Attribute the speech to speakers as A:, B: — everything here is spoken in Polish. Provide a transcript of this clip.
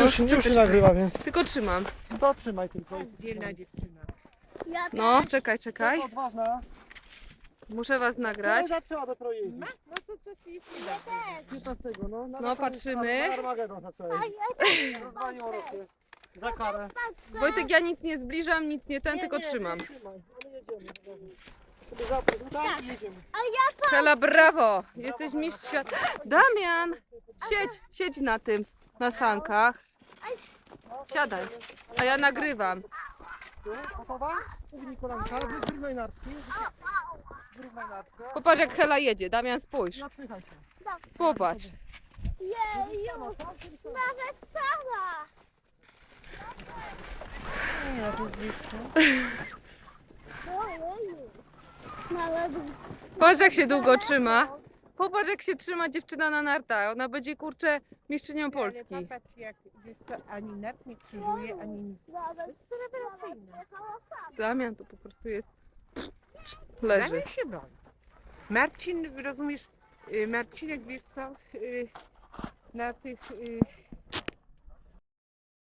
A: już się nagrywa, więc
B: Tylko trzymam.
A: to trzymaj tylko.
C: Dzielna dziewczyna.
B: No, czekaj, czekaj.
A: To odważna.
B: Muszę was nagrać.
A: Która zaczęła dopiero jeździć?
C: No to ci jest nie da.
A: 15, no.
B: No, patrzymy.
A: Na Armagedon zaczęła jeździć. Rozwaliło Rosję. Za karę.
B: Wojtek, ja nic nie zbliżam, nic nie ten, tylko trzymam.
A: Trzymaj, ale jedziemy. Sobie zapnij, tak, jedziemy.
B: Hela, brawo! Jesteś mistrz świata. Damian! Siedź na tym, na sankach. Siadaj, a ja nagrywam.
A: Gotowa? Ugnij kolanka, wyrównaj nartki. Wyrównaj nartkę.
B: Popatrz, jak Hela jedzie. Damian, spójrz.
A: Napychaj się.
B: Popatrz.
D: Jeju, nawet sama.
A: Nie, to jest większe.
D: Ojeju. Nawet
B: Patrz, jak się długo trzyma. Popatrz, jak się trzyma dziewczyna na nartach. Ona będzie, kurczę, mistrzynią Polski.
C: Ale popatrz, jak wiesz co, ani net nie krzyżuje, ani nic.
D: nawet
C: Rewelacyjne.
B: Damian to po prostu jest... Leży.
C: Damian się boi. Marcin, rozumiesz, Marcinek, wiesz co, na tych